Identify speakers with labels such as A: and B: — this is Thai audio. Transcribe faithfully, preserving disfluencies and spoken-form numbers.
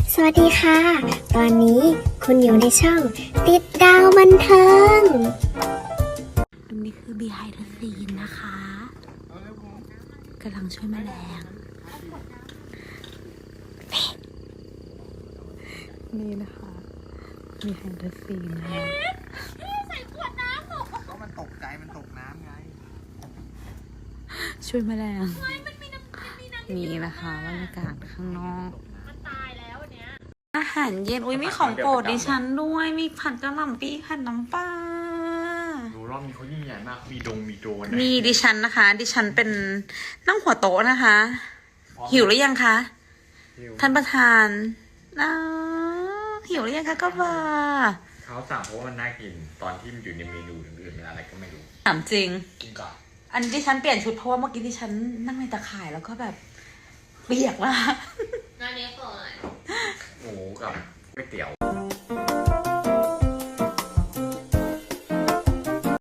A: สวัสดีค่ะ ตอนนี้คุณอยู่ในช่องติดดาวบันเทิงตรงนี้คือ behind the scene นะคะกำลังช่วยแมลงนี่นะคะ behind the scene นะคะ
B: ใส่ขวดน้ำหนูก็มันตกใจมันตกน้ำไง
A: ช่วยแมลง
B: มันมีน้ำมันมีน้ำ
A: นี่นะคะบรรยากาศข้างนอก
B: มันตายแล้วเนี้ย
A: อาหารเย็นอุ้ยมีของโปรดดิฉันด้วยมีผัดกะหล่ำปีผัดน้ำปลา
C: ดูรอบนี้เขายิ่งใหญ่มากมีดงมีโดรน
A: มีดิฉันนะคะ ดิฉันเป็นนั่งหัวโต๊ะนะคะ หิวหรือยังคะท่านประธานอ้าวหิวหรือยังคะก็บ่า
C: เขาสั่งเพราะว่ามันน่ากินตอนที่มันอยู่ในเมนูอื่นๆมันอะไรก็ไม่รู้
A: ถามจริง
C: กินก่อน
A: อันนี้ดิฉันเปลี่ยนชุดเพราะว่าเมื่อกี้ดิฉันนั่งในตะข่ายแล้วก็แบบเปียกมาก
B: งานนี้ก่อน
C: หมูกับก๋วยเตี๋ยว